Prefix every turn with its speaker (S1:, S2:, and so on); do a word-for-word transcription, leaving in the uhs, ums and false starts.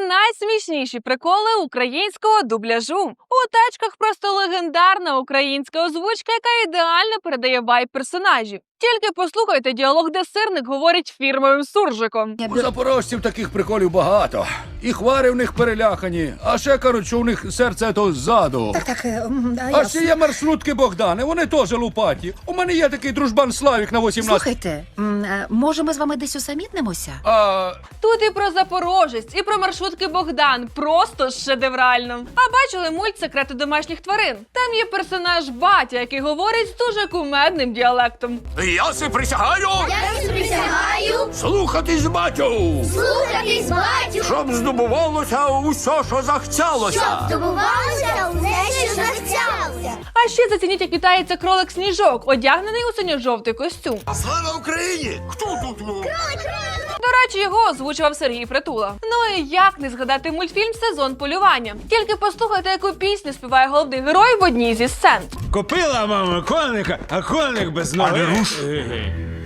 S1: найсмішніші приколи українського дубляжу. У тачках просто легендарна українська озвучка, яка ідеально передає вайб персонажів. Тільки послухайте діалог, де сирник говорить фірмовим суржиком.
S2: У запорожців таких приколів багато. І хвари в них перелякані, а ще кажуть, що у них серце то ззаду.
S3: Так, так, м, а
S2: А
S3: я...
S2: ще є маршрутки Богдани, вони теж лупаті. У мене є такий дружбан Славік на вісімнадцять.
S3: Слухайте, м, е, може ми з вами десь усамітнимося?
S2: А...
S1: Тут і про Запорожець, і про маршрутки Богдан. Просто шедеврально. А бачили мульт «Секрети домашніх тварин»? Там є персонаж Батя, який говорить з дуже кумедним діалектом.
S4: Я си присягаю
S5: Я си присягаю
S4: слухатись батю,
S5: слухатись батю,
S4: щоб здобувалося усе, що захцялося.
S5: щоб здобувалося усе, що захотілося.
S1: А ще зацініть, як вітається кролик Сніжок, одягнений у синьо-жовтий костюм.
S4: Слава Україні! Хто тут?
S1: До речі, його озвучував Сергій Притула. Ну і як не згадати мультфільм «Сезон полювання». Тільки послухайте, яку пісню співає головний герой в одній зі сцен.
S6: Купила мама коника, а коник без ноги.
S4: А не руш.